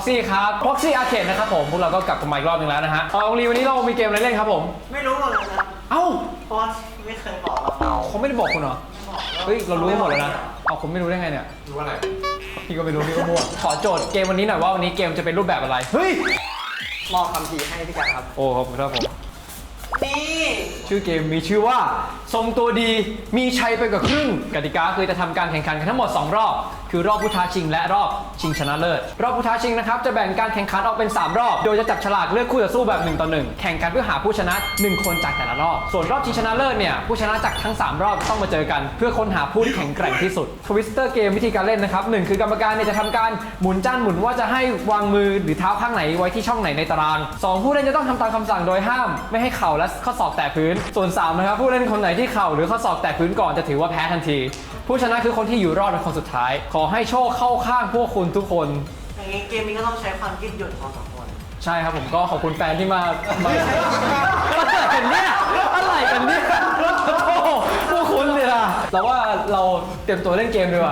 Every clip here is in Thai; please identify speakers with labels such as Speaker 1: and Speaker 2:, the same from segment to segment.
Speaker 1: Proxy ครับ Proxy Arcade นะครับผมพวกเราก็กลับกันมาอีกรอบนึงแล้วนะฮะองลีวันนี้เรามีเกมอะไรเล่นครับผม
Speaker 2: ไม่รู้หมดเลยนะ
Speaker 1: เอ้า
Speaker 2: เพราะไม่เคยบอกเรา
Speaker 1: เขาไม่ได้บอกคุณเหรอเฮ้ยเรารู้หมดแล้วนะเอาคุณไม่รู้ได้ไงเนี่ย
Speaker 3: รู้อะไร
Speaker 1: พี่ก็ไม่รู้พี่ก็มั่วขอโจทย์เกมวันนี้หน่อยว่าวันนี้เกมจะเป็นรูปแบบอะไรเฮ้ย
Speaker 2: มอบคำทีให้พี่กันครับ
Speaker 1: โอ้ขอบคุณครับผม
Speaker 2: นี่
Speaker 1: ชื่อเกมมีชื่อว่าทรงตัวดีมีชัยไปกับครึ่งกติกาคือจะทำการแข่งขันกันทั้งหมด2รอบคือรอบผู้ท้าชิงและรอบชิงชนะเลิศรอบผู้ท้าชิงนะครับจะแบ่งการแข่งขันออกเป็น3รอบโดยจะจับฉลากเลือกคู่ต่อสู้แบบ1 ต่อ 1แข่งกันเพื่อหาผู้ชนะ1คนจากแต่ละรอบส่วนรอบชิงชนะเลิศเนี่ยผู้ชนะจากทั้ง3รอบต้องมาเจอกันเพื่อค้นหาผู้ที่แข็งแกร่งที่สุดทวิสเตอร์เกมวิธีการเล่นนะครับ1คือกรรมการเนี่ยจะทำการหมุนจานหมุนว่าจะให้วางมือหรือเท้าข้างไหนไว้ที่ช่องไหนในตาราง2ผู้เล่นจะต้องทำตามคำสั่งโดยห้ามไม่ให้เข่าและข้อศอกแตะพื้นส่วน3นะครับผู้เล่นคนไหนที่เข่าหรือข้อศอกแตะพื้นก่อนจะถือว่าแพ้ทันทีผู้ชนะคือคนที่อยู่รอดเป็นคนสุดท้ายขอให้โชคเข้าข้างพวกคุณทุกคน
Speaker 2: อย่างนี้เกมนี้ก็ต้องใช้ความยืดหยุ่นของ2 คน
Speaker 1: ใช่ครับผมก็ขอบคุณแฟนที่มาอะไรกันเนี่ยอะไรกันเนี่ยโอ้โหพวกคุณเนี่ยเราว่าเราเตรียมตัวเล่นเกมดีกว่า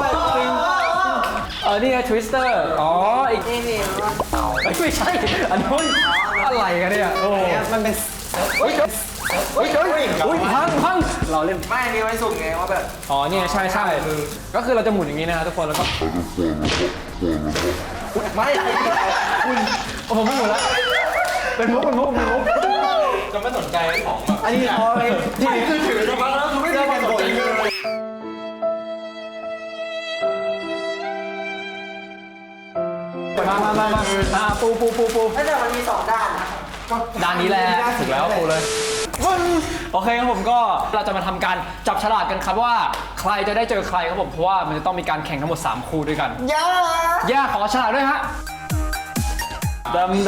Speaker 1: นี่ไงทวิสเตอร์อ๋ออีก
Speaker 2: นี่
Speaker 1: ไม่ใช่อันนู้นอะไรกันเนี่ยโอ้
Speaker 2: มันเป็น
Speaker 1: พังเราเล่น
Speaker 2: ไม่นี่ไว้สุ่มไงว่าแบบ
Speaker 1: อ๋อเนี่ยใช่ก็คือเราจะหมุนอย่างนี้นะทุกคนแล้วก็
Speaker 2: ไม่
Speaker 1: คุณผมไม่หมุนแล้วเป็นมุก
Speaker 3: จะไม่สนใจของ
Speaker 2: อันนี้พอเลย
Speaker 3: ที่คือถือจะมาแล้วคือไม่ได้กันบ่อยเลย
Speaker 1: มาปู
Speaker 2: แต่มันมี2 ด้านนะ
Speaker 1: ด้านนี้แหละถูกแล้วปูเลยโอเคครับผมก็เราจะมาทำการจับฉลากกันครับว่าใครจะได้เจอใครครับผมเพราะว่ามันจะต้องมีการแข่งทั้งหมด3คู่ด้วยกันย่าขอฉลากด้วยฮะดำ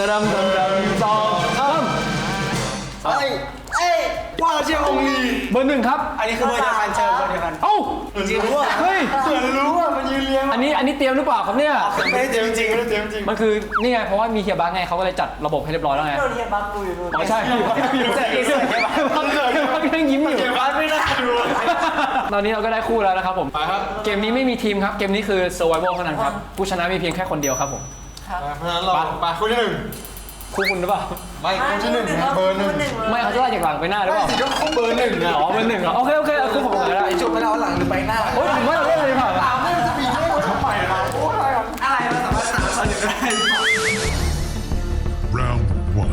Speaker 3: ว่าเชียร์องลี
Speaker 1: เบอร์ 1ครับ
Speaker 2: อันนี้คือเบอร์เดียวกันเจอเบอร์เดียวกัน
Speaker 1: เอ้า
Speaker 2: จริงรู้ว่า
Speaker 1: เฮ้ย
Speaker 3: เสือรู้ว่ามันยืนเลี้ยง
Speaker 1: อันนี้เตรียมหรือเปล่าครับเนี่ย
Speaker 3: ไม่ได้เตรียมจริง
Speaker 1: มันคือนี่ไงเพราะว่ามีเฮียบักไงเขาก็เลยจัดระบบให้เรียบร้อยแล้วไง
Speaker 2: โดนเฮียบักกูอยู่นู่น
Speaker 1: อ๋อใช่เสือบักยังยิ้มอยู่
Speaker 3: เฮียบักไม่น่าดู
Speaker 1: ตอนนี้เราก็ได้คู่แล้วนะครับผม
Speaker 3: ไปครับ
Speaker 1: เกมนี้ไม่มีทีมครับเกมนี้คือ survival เท่านั้นครับผู้ชนะมีเพียงแค่คนเดียวครับผม
Speaker 3: เพราะฉะนั้นเราไปคู่ที่1
Speaker 1: คู่คุณหรือเปล่า
Speaker 3: ไม่คู่ที่1เบอร์ 1
Speaker 1: ไม่เขาจะไล่จากหลังไปหน้าหรือเปล่า
Speaker 3: ก็คู่เบอร์ 1อ่ะ
Speaker 1: อ๋อเบอร์ 1เหรอโอเคคู่ผมกันแล้ว
Speaker 3: ไอ้จุดไปแล้วหลังหรือไปหน้า
Speaker 1: โอ้ยผมว่าเราเล่นเลยผ่าน
Speaker 3: ไม่จะมีให้คนใหม่เราโอ้ย
Speaker 2: อะไรมันสามารถ3 คนได้
Speaker 4: Round 1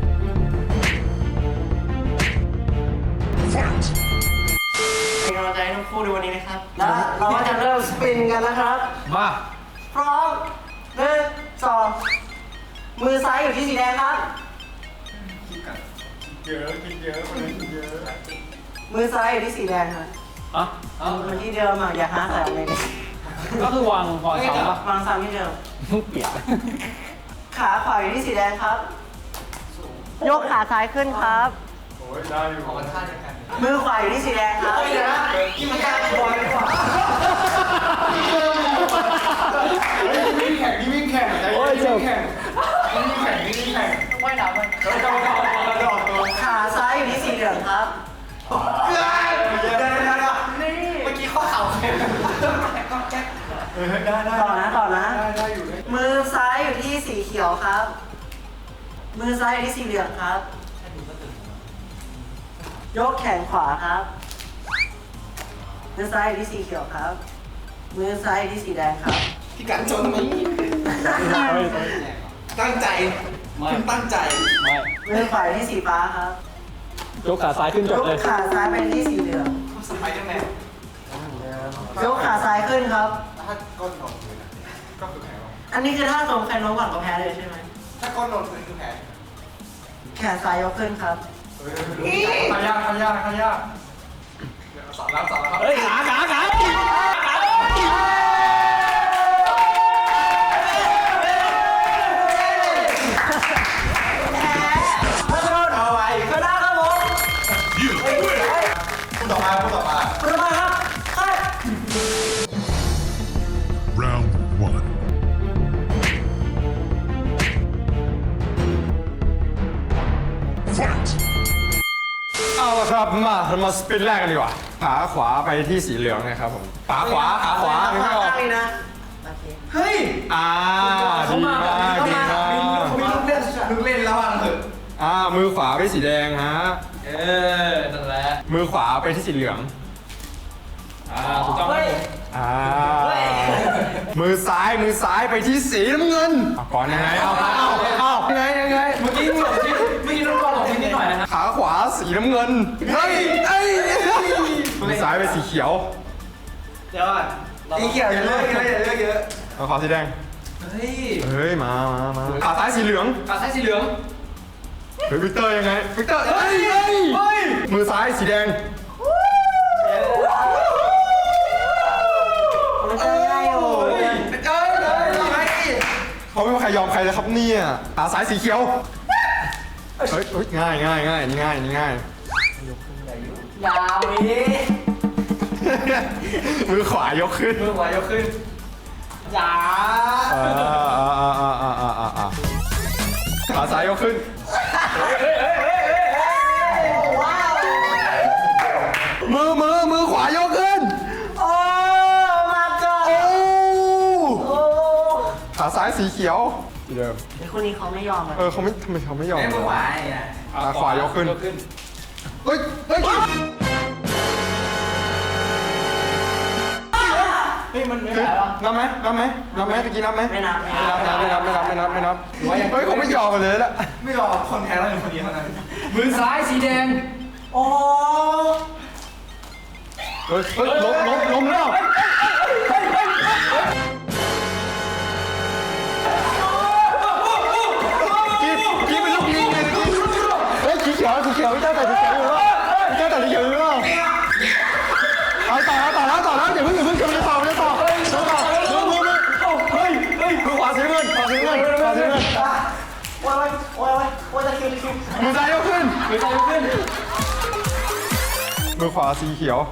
Speaker 4: Fight
Speaker 2: เป็นกำลังใจให้ทั้งคู่ในวันนี้นะครับและเราก็จะเริ่มสปินกันนะครับ
Speaker 1: มา
Speaker 2: พร้อม1 2มือซ้ายอยู่ที่สีแดงครับ
Speaker 3: กินเยอะคนนี้กินเยอะ
Speaker 2: มือซ้ายอยู่ที่สีแดงครับมันที่เดิมอ่ะอย่าหาใส่อะไรเลย
Speaker 1: ก็คือวางซ้ำปะ
Speaker 2: วางซ้ำที่เดิม
Speaker 1: เปลี่ยน
Speaker 2: ขาขวาอยู่ที่สีแดงครับยกขาซ้ายขึ้นครับ
Speaker 3: โอ้ยได้อยู่ของท่าเดียวกัน
Speaker 2: มือขวาอยู่ที่สีแดงครับ
Speaker 3: กินมันการบอลดีกว่าวิ่งแข่งว่ายน้ำมัน
Speaker 2: ขาซ้ายอยู่ที่สีเหลืองครับ
Speaker 3: เมื่อกี้ข้อเข่า
Speaker 2: ต่อนะมือซ้ายอยู่ที่สีเขียวครับมือซ้ายอยู่ที่สีเหลืองครับยกแขนขวาครับมือซ้ายอยู่ที่สีเขียวครับมือซ้ายอยู่ที่สีแดงครับ
Speaker 3: พี่กันจนมั้ยตั้งใจคุณตั้งใจ
Speaker 1: ไม่
Speaker 2: มือขวาที่สีฟ้าครับ
Speaker 1: ยกขาซ้ายขึ้นจบเลย
Speaker 2: ยกขาซ้ายไปที่สีเหลือง
Speaker 3: สไปเดอร์แมน
Speaker 2: ยกขาซ้ายขึ้นครับ
Speaker 3: ถ้าก้นโดนก็คือแพ้
Speaker 2: อันนี้คือถ้าตรงใครโน้มก่อนก็แพ้เลยใช่ไหม
Speaker 3: ถ้าก้นโดนคือแพ้
Speaker 2: แขนซ้ายยกขึ้นครับ
Speaker 3: ขยากสอนแล้ว
Speaker 1: เฮ้ยขา
Speaker 3: พูดต่อมา
Speaker 2: ครับ
Speaker 4: Round 1 Fight
Speaker 3: เอาละครับเรามาสปินแรกกันดีกว่าขาขวาไปที่สีเหลืองนะครับผมขาขวา
Speaker 2: ข้างนี้นะโอเค
Speaker 3: เฮ้ย
Speaker 1: เขามาแบบนี้
Speaker 5: ดีมาก
Speaker 3: มีลูกเล่นแล้วอ่ะเถอะ
Speaker 5: มือขวาไปสีแดงฮะ
Speaker 1: นั่นแหละ
Speaker 5: มือขวาไปที่สีเหลือง
Speaker 1: ถูกต้องครับผม
Speaker 5: มือซ้ายไปที่สีน้ำเงินก่อนยังไงเอายังไง
Speaker 1: เมื่อกี้หลงทิศเมื่อกี้น้องกรหลงทิศนิดหน่อยนะฮะ
Speaker 5: ขาขวาสีน้ำเงินเฮ้ยมือซ้ายไปสีเขียว
Speaker 3: เดี๋ยวก่อนสีเขียวอย่าเลือกเยอะอย่าเลือกเยอะ
Speaker 5: เอาขวาสีแดง
Speaker 1: เฮ้ย
Speaker 5: มาขาซ้ายสีเหลือง
Speaker 1: ขาซ้ายสีเหลือง
Speaker 5: เฮ้ยวิกเตอร์ยังไงวิกเตอร์เฮ้ยมือซ้ายสีแดง
Speaker 2: มันจะง่ายโอ้ย
Speaker 5: เขาไม่มีใครยอมใครเลยครับเนี่ยขาซ้ายสีเขียวเฮ้ยง่ายนี่ง่าย
Speaker 2: ยาวนี้
Speaker 5: มือขวายกขึ้น
Speaker 3: มือขวายกขึ้น
Speaker 2: ยา
Speaker 5: ขาซ้ายยกขึ้น
Speaker 2: ว้าว
Speaker 5: มือขวายกขึ้น
Speaker 2: โอ้มาจ้า
Speaker 5: โอ้
Speaker 2: โอ้
Speaker 5: ขาซ้ายสีเขียวที่เดิม
Speaker 2: ไอ้คนนี้เขาไม่ยอมอ่ะ
Speaker 5: เขาไม่ทำไมเขาไม่ยอม
Speaker 3: ไอ้มือขวาไง
Speaker 5: ขาขวายกขึ้นเฮ้ย
Speaker 3: มันไม่
Speaker 5: นับไหมตะกี้นับไหม
Speaker 2: ไม่นับ
Speaker 5: ไม่นับเฮ้ยเขาไม่ยอมกันเลยละ
Speaker 3: ไม่รอคนแพ้เราเป็นคนเดียวเท่านั้น
Speaker 1: มือซ้ายสีแดง
Speaker 2: โอ้โห
Speaker 5: เฮ้ยล้มแล้วกี้เป็นลูกยิงเลยกี้เฮ้ยสีเขียวพี่เจ้าแต่สีเขียวอยู่แล้วพี่เจ้าแต่สีเขียวอยู่แล้วเอาต่อแล้วอย่าเพิ่งกำลังต่อมือขวาสีเงิน
Speaker 2: โอ้ยจะคิว
Speaker 5: มือซ้ายยกขึ้นมือขวาสีเขียว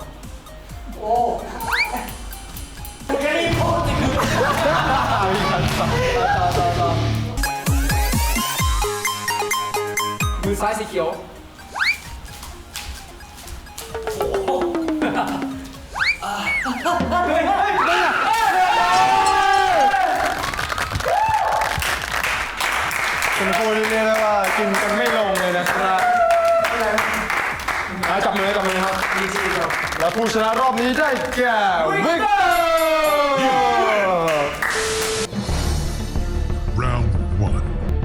Speaker 2: แค่นี้โคตรจริง
Speaker 1: มือซ้ายสีเขียว
Speaker 5: เป็นคนที่เรียกได้ว่ากินกันไม่ลงเลยนะครับจับมือครับแล้วผู้ชนะรอบนี้ได้แก่วิกเตอร์
Speaker 4: Round 1.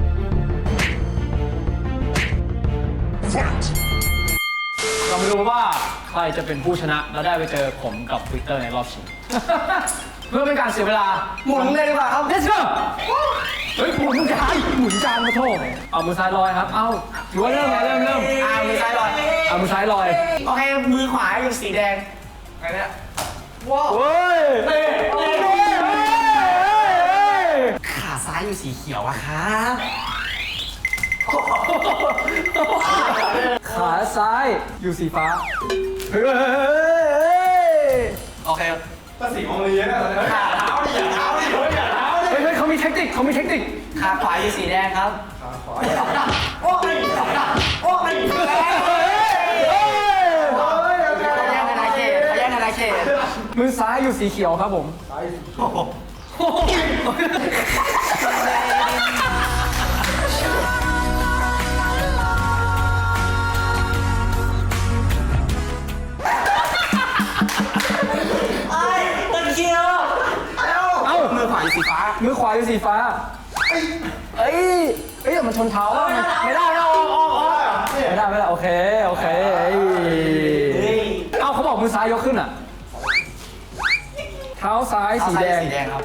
Speaker 4: Fight!
Speaker 1: เราไม่รู้ว่าใครจะเป็นผู้ชนะแล้วได้ไปเจอผมกับวิกเตอร์ในรอบชิง เพื่อเป็นการเสียเวลา
Speaker 3: หมุนเลยดีกว่าครับ
Speaker 1: Let's go เฮ้ยหมุนจานมาโทษเอามือซ้ายลอยครับ เอาถือว่าเริ่มเริ่ม
Speaker 3: มือซ้ายลอย
Speaker 1: เอามือซ้ายลอย
Speaker 3: โอเคมือขวาอยู่สีแดงไงเนี่ยว้าว
Speaker 1: เฮ้ย
Speaker 3: ขาซ้ายอยู่สีเขียวอะครับ
Speaker 1: ขาซ้ายอยู่สีฟ้า เฮ้ย
Speaker 3: โอเค
Speaker 5: ก็สีมองเรียนอะ
Speaker 3: ขาเท้าดิอย่าเท้าดิอย่าเท้าดิ
Speaker 1: เฮ้ยเขามีเทคนิค
Speaker 3: ขาขวาอยู่สีแดงครับโอ้ยโอ้ยแย่งกันนาเขต
Speaker 1: มือซ้ายอยู่สีเขียวครับผม
Speaker 2: ไอ้ตะเคียว
Speaker 1: เอ้า
Speaker 3: มือขวาอยู่สีฟ้า
Speaker 1: มือขวาอยู่สีฟ้าเอ้ยแต่มันชนเท้าอะไม่ได้ออกไม่ได้โอเคเอาเขาบอกมือซ้ายยกขึ้นอ่ะ เท้าซ้ายสีแดง
Speaker 3: สีแดงครับ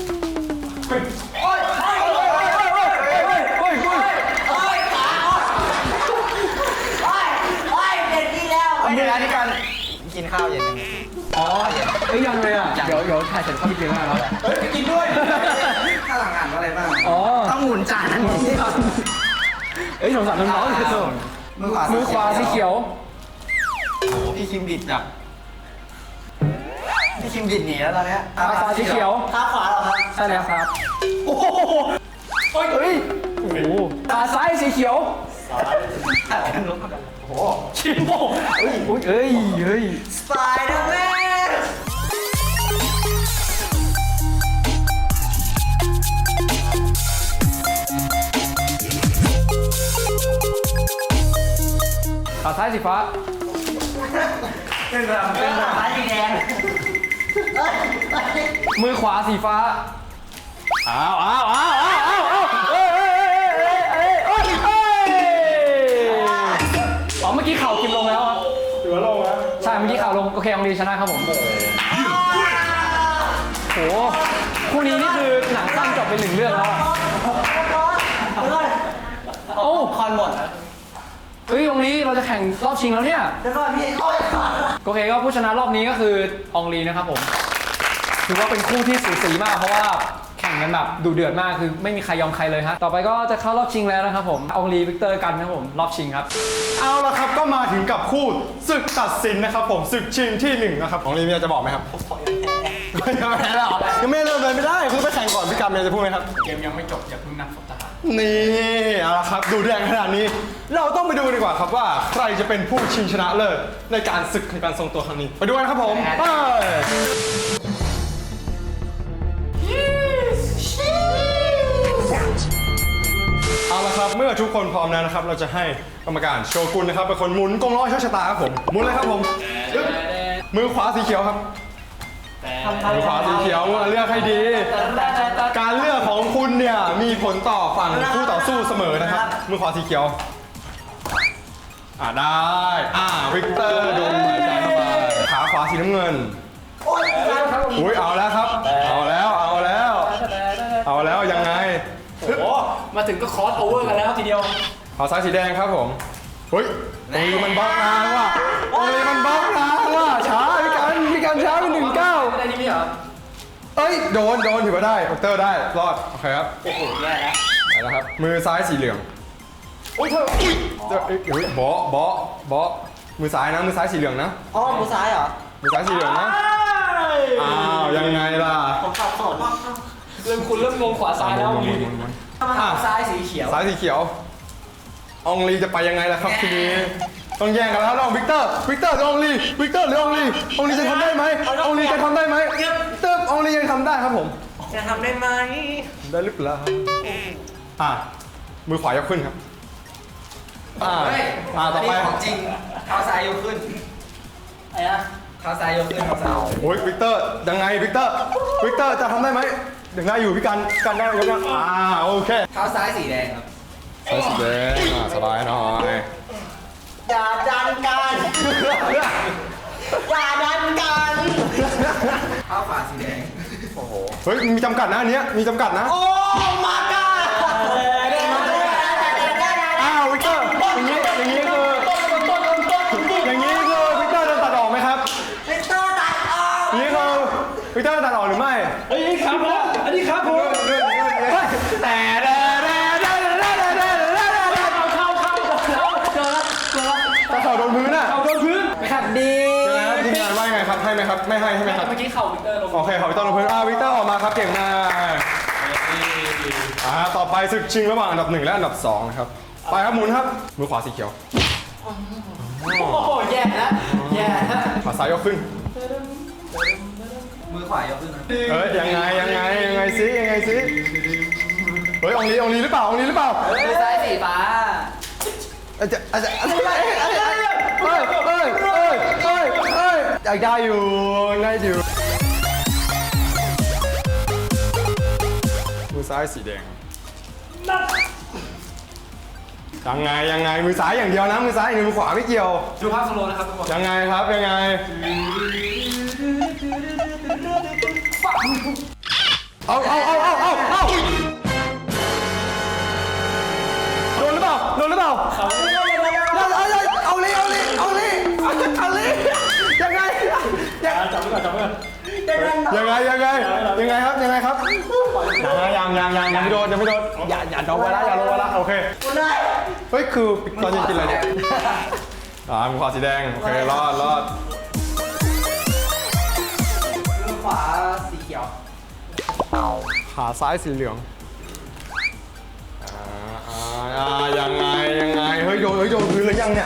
Speaker 2: เด็ดดีแล้ว
Speaker 3: เวลาที่การกินข้าวเย็น
Speaker 1: อ๋อยังเลยอ่ะ เดี๋ยวถ่ายเสร็จเข้าไปกินแล้ว
Speaker 3: เฮ้ยไปกินด้วยข้าวหลังอ่านว่าอะไรบ้าง
Speaker 1: อ๋อ
Speaker 3: ต้องหมุนจานนี้
Speaker 1: สงสารน้องๆคือตัว มือขวาสีเขียว
Speaker 3: พี่คิมบิดอ่ะพี่คิมบิดหนีแล้วตอนนี้
Speaker 1: ขาขวาสีเขียว
Speaker 2: ขาขวาเหรอครับ
Speaker 1: ใช่แล้วครับ โอ้โหขาซ้ายสีเขียว ชิมโบเฮ้ย
Speaker 2: สไปเดอร์แมน
Speaker 1: ขาซ้ายสีฟ้า
Speaker 3: ฟ้าสีแดง
Speaker 1: มือขวาสีฟ้าอ้าวเอ้ยอ๋อเมื่อกี้เข่ากิมลงแล้วครับ
Speaker 5: ถือว่าลงแล้ว
Speaker 1: ใช่เมื่อกี้เข่าลงโอเคองลีชนะครับผมโหคู่นี้นี่คือหนังสั้นจบไป1 เรื่องแล้วอะโอ้
Speaker 3: คอนหมด
Speaker 1: เฮ้ยองลีเราจะแข่งรอบชิงแล้วเนี่ย
Speaker 2: เดี๋ยวก่อนพี่โอ้ย
Speaker 1: โอเคก็ผู้ชนะรอบนี้ก็คืออองลีนะครับผมถือว่าเป็นคู่ที่สูสีมากเพราะว่าแข่งกันแบบดุเดือดมากคือไม่มีใครยอมใครเลยฮะต่อไปก็จะเข้ารอบชิงแล้วนะครับผมอองลีวิกเตอร์กันนะครับผมรอบชิงครับ
Speaker 5: เอาละครับก็มาถึงกับคู่ศึกตัดสินนะครับผมศึกชิงที่1นะครับของลีมีอะไรจะบอกไหมครับไม่ได้แล้วยังไม่เริ่มเลยไม่ได้คุณไปแข่งก่อนพี่กำมีอะไรจะพูดไหมครับ
Speaker 1: เกมยังไม่จบอย่าเพิ่งนับศพทหาร
Speaker 5: นี่เอาละครับดูแรงขนาดนี้ เราต้องไปดูดีกว่าครับว่าใครจะเป็นผู้ชิงชนะเลิศในการศึกในการทรงตัวครั้งนี้ไปดูกันครับผมไปเอาละครับเมื่อทุกคนพร้อมแล้วนะครับเราจะให้กรรมการโชกุนนะครับเป็นคนหมุนกงล้อโชคชะตาครับผมหมุนเลยครับผมมือขวาสีเขียวครับมือขวาสีเขียวเลือกให้ดี การเลือกของคุณเนี่ยมีผลต่อฝั่งคู่ต่อสู้เสมอนะครับมือขวาสีเขียวได้วิกเตอร์ดูหายใจเข้าไปขาขวาสีน้ำเงิน
Speaker 2: โอ้ย
Speaker 5: อุ้ยเอาแล้วครับเอาแล้วยังไง
Speaker 1: โอ้มาถึงก็คอสโอเวอร์กันแล้วทีเดียว
Speaker 5: ขาซ้ายสีแดงครับผมเฮ้ยตรงนี้มันบล็อกนานว่ะตรงนี้มันบล็อกนานว่ะช้าพี่กันช้าไป19
Speaker 1: ได้นี่ไม่เหรอ
Speaker 5: เอ้ยโดนถือว่าได้วิกเตอร์ได้รอดโอเคครับ
Speaker 3: โอ้โหแย่แล้ว
Speaker 5: ไปแล้วครับมือซ้ายสีเหลืองโอ้ยเธอเบาะมือซ้ายนะมือซ้ายสีเหลืองนะ
Speaker 2: อ๋อมือซ้ายเหรอ
Speaker 5: มือซ้ายสีเหลืองนะอ้าวยังไงล่ะ
Speaker 2: ผมขับสน
Speaker 1: เริ่มงงขวาซ้ายแล้ว
Speaker 3: ซ้ายสีเขียว
Speaker 5: ซ้ายสีเขียวอองลีจะไปยังไงล่ะครับทีนี้ต้องแย่งกันแล้วระหว่างวิกเตอร์หรืออองลีวิกเตอร์หรืออองลีจะทำได้ไหมอองลีจะทำได้ไหมตึ๊บอองลียังทำได้ครับผม
Speaker 2: จะทำได้ไหม
Speaker 5: ได้หรือเปล่ามือขวายกขึ้นครับต่อไป
Speaker 3: ของจริงเท้าซ้ายยกขึ้นอะไรนะเท้าซ้ายยกขึ้นเท้าซ้าย
Speaker 5: โอ้ยวิกเตอร์ยังไงวิกเตอร์จะทำได้ไหมยังได้อยู่พี่กันได้ยกนะโอเค
Speaker 3: เท้าซ้ายสีแดงครับ
Speaker 5: ซ้ายสีแดงสบายหน่อย
Speaker 2: อย่าดันกันอย่าดันกัน
Speaker 3: เท้าขวาสีแดง
Speaker 5: เฮ้ยมีจำกัดนะอันเนี้ยมีจำกัดนะ
Speaker 2: โอ้มาก้า
Speaker 5: วิกเตอร์อย่างนี้คือวิกเตอร์จะตัดออกไหมครับ
Speaker 2: วิกเตอร์ตัดออก
Speaker 5: นี่คือวิกเตอร์ตัดออกหรือไม่
Speaker 1: เฮ้ยครับผมอันนี้ครับผมแต่
Speaker 5: ตะเข่าโดนพื้นอ่ะ
Speaker 1: โดนพื้นขัดดี
Speaker 5: ยังไงครับทีมงานว่ายังไงครับให้ไหมครับไม่ให้ใช่ไหมครับ
Speaker 1: เมื่อกี้เข่าวิกเตอร์ลง
Speaker 5: โอเคขอวิกเตอร์ลงพื้นวิกเตอร์ออกมาครับเก่งมากต่อไปศึกชิงระหว่างอันดับ1และอันดับ2นะครับไปครับหมุนครับมือขวาสีเขียว
Speaker 1: โอ้โหแย่แล้ว
Speaker 5: ขาซ้ายยกขึ้น
Speaker 3: มือขวายกขึ้นนะ
Speaker 5: เฮ้ยยังไงซิเฮ้ยอองลีหรือเปล่า
Speaker 3: มือซ้ายสีฟ้า
Speaker 5: อยากได้อยู่มือซ้ายสีแดงยังไงมือซ้ายอย่างเดียวนะมือซ้ายอย่างเดียวมือขวาไม่เกี่ยว
Speaker 1: ดูภาพสโลว์นะครับทุกคน
Speaker 5: ยังไงครับยังไงเอาโดนหรือเปล่าเอาเลยยังไงจับไว้ก่อนยังไงครับยังไม่โดนอย่าโดนไว้ละอย่าลงไว้ละโอเคเฮ้ยคือตอนกินอะไรเนี่ยมือขวาสีแดงโอเครอด
Speaker 3: มือขวาสีเขียว
Speaker 5: ขาซ้ายสีเหลืองยังไงเฮ้ยโดนพื้นหรือยังเนี่ย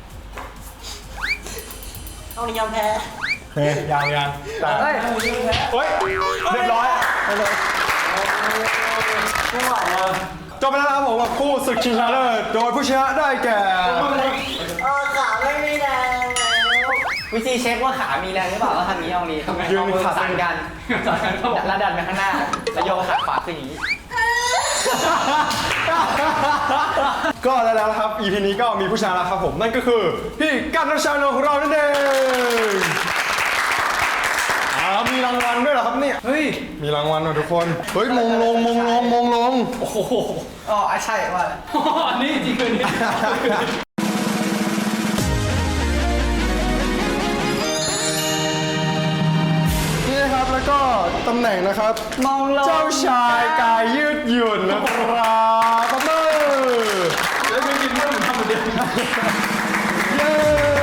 Speaker 2: เอานิยมแพ้
Speaker 5: เฮ้ยยังแต่เฮ้ยเรียบร้อยจบไปแล้วนะครับผมกับคู่ศึกชิงชนะเลิศโดยผู้ชนะได้แก่
Speaker 2: ขา
Speaker 3: วิธีเช็คว่าขามีแรงหรือเปล่าก็ทำอย่างนี้เอานี้
Speaker 5: ยืน
Speaker 3: เอามือ
Speaker 5: ขา
Speaker 3: สั่นกัน
Speaker 1: จากนั้นก็บอก
Speaker 3: แล้วดันไปข้างหน้าแล้วโยกขาขวาขึ้นอย่างนี้
Speaker 5: ก็แล้วนะครับ EP นี้ก็มีผู้ชนะแล้วครับผม นั่นก็คือพี่กันนชานนท์ของเรานั่นเองมีรางวัลด้วยเหรอครับเนี่ย
Speaker 1: เฮ้ย
Speaker 5: มีรางวัลนะทุกคน เฮ้ยมงลง
Speaker 1: โอ้โห
Speaker 3: อ๋อใช่ว่า
Speaker 1: อันนี้จริงเลยนี่
Speaker 5: นี่นะครับแล้วก็ตำแหน่งนะครับ
Speaker 3: มองลง
Speaker 5: เจ้าชายกายยืดหยุ่นนะครับปรบมือ
Speaker 1: แล้วไม่กินเรื่องเหมือนทำเหมือนเดิม
Speaker 5: เย้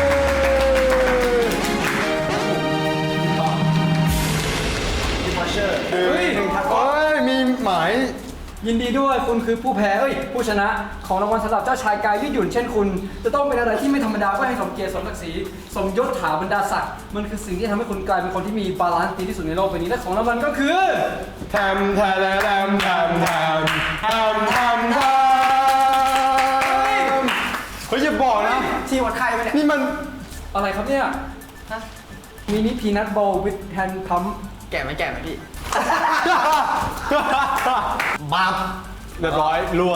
Speaker 5: เฮ้ยมีหมาย
Speaker 1: ยินดีด้วยคุณคือผู้แพ้ผู้ชนะของรางวัลสำหรับเจ้าชายกายยืดหยุ่นเช่นคุณ จะต้องเป็นอะไรที่ไม่ธรรมดาเพื่อให้สมเกียรติสมศักดิ์ศรีสมยศถาบรรดาศักดิ์มันคือสิ่งที่ทำให้คุณกลายเป็นคนที่มีบาลานซ์ดีที่สุดในโลกใบนี้และของรางวัลก็คือ
Speaker 5: แทมเฮ้ยอย่าบอกนะ
Speaker 3: ที่วัดไข้ไปเนี่ย
Speaker 5: นี่มัน
Speaker 1: อะไรครับเนี่ยมินิพีนัทบอลวิดแฮนด์พัม
Speaker 3: แก่ไหมพี่
Speaker 5: บับเรียบร้อยรั่ว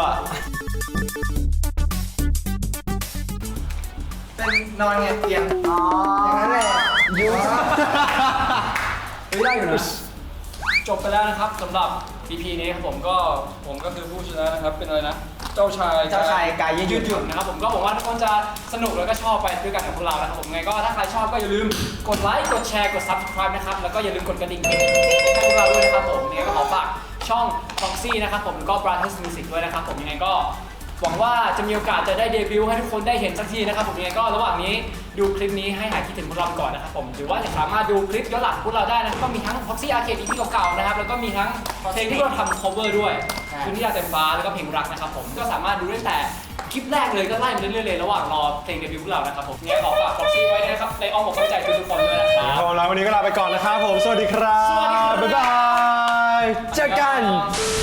Speaker 3: เป็นนอนไงเตียงอ๋ออย่างนั้นแหละยู
Speaker 1: ได้อยู่นะจบไปแล้วนะครับสำหรับ EP นี้ครับผมก็คือผู้ชนะนะครับเป็นอะไรนะเจ้าชาย
Speaker 3: กายยืดหยุ่น
Speaker 1: นะครับผมก็หวังว่าทุกคนจะสนุกแล้วก็ชอบไปด้วยกันกับพวกเรานะครับผมไงก็ถ้าใครชอบก็อย่าลืมกดไลค์กดแชร์กด Subscribe นะครับแล้วก็อย่าลืมกดกระดิ่งให้พวกเราด้วยนะครับผมยังไงก็ขอฝากช่อง Foxy นะครับผมแล้วก็ Brothers Music ด้วยนะครับผมยังไงก็หวังว่าจะมีโอกาสจะได้เดบิวต์ให้ทุกคนได้เห็นสักทีนะครับผมยังไงก็ระหว่างนี้ดูคลิปนี้ให้หายคิดถึงพวกเราก่อนนะครับผมหรือว่าจะสามารถดูคลิปย้อนหลังพวกเราได้นะครับก็มีทั้ง Foxy Arcade EP เก่าๆนะครับแล้วก็มีทั้งเพลงที่เราทำ cover ด้วยคืนที่ดาวเต็มฟ้าแล้วก็เพลงรักนะครับผมก็สามารถดูได้แต่คลิปแรกเลยก็ไล่มาเรื่อยๆเลยระหว่างรอเพลงเดบิวต์พวกเรานะครับผมเนี่ยขอฝาก Foxy ไว้นะครับในอ้อมอกอ้อมใจทุกคนด้วยนะครับ
Speaker 5: แล้ววันนี้ก็ลาไปก่อนนะครับผม สวัสดีครับ
Speaker 1: สวัสดีครับ
Speaker 5: บ๊ายบาย เจอกัน
Speaker 1: บ